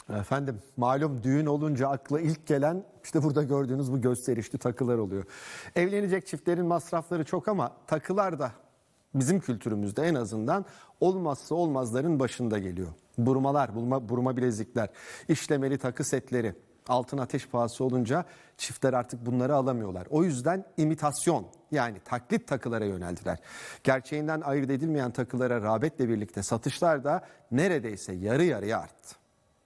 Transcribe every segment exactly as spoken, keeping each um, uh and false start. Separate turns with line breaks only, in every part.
Efendim malum düğün olunca akla ilk gelen işte burada gördüğünüz bu gösterişli takılar oluyor. Evlenecek çiftlerin masrafları çok ama takılar da bizim kültürümüzde en azından olmazsa olmazların başında geliyor. Burmalar, burma, burma bilezikler, işlemeli takı setleri. Altın ateş pahası olunca çiftler artık bunları alamıyorlar. O yüzden imitasyon yani taklit takılara yöneldiler. Gerçeğinden ayırt edilmeyen takılara rağbetle birlikte satışlar da neredeyse yarı yarıya arttı.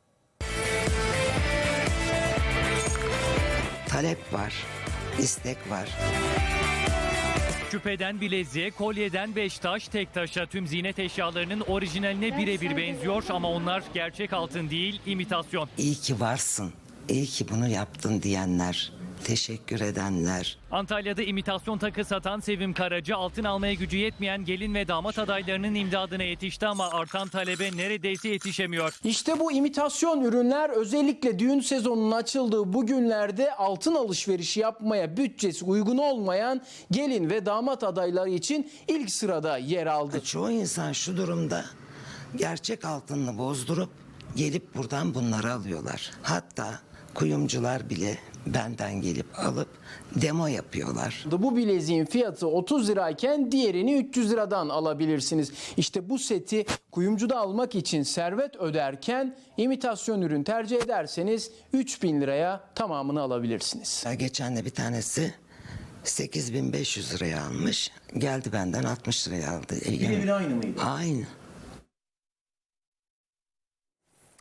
Talep var, istek var.
Küpeden bileziğe, kolyeden beş taş, tek taşa tüm ziynet eşyalarının orijinaline birebir benziyor ama onlar gerçek altın değil, imitasyon.
İyi ki varsın, iyi ki bunu yaptın diyenler, teşekkür edenler.
Antalya'da imitasyon takı satan Sevim Karaca altın almaya gücü yetmeyen gelin ve damat adaylarının imdadına yetişti ama artan talebe neredeyse yetişemiyor.
İşte bu imitasyon ürünler özellikle düğün sezonunun açıldığı bu günlerde altın alışverişi yapmaya bütçesi uygun olmayan gelin ve damat adayları için ilk sırada yer aldı.
Çoğu insan şu durumda gerçek altınını bozdurup gelip buradan bunları alıyorlar. Hatta kuyumcular bile benden gelip alıp demo yapıyorlar.
Bu bileziğin fiyatı otuz lirayken diğerini üç yüz liradan alabilirsiniz. İşte bu seti kuyumcuda almak için servet öderken imitasyon ürün tercih ederseniz üç bin liraya tamamını alabilirsiniz.
Geçen de bir tanesi sekiz bin beş yüz liraya almış. Geldi benden altmış liraya aldı.
Birebir aynı mıydı?
Aynı.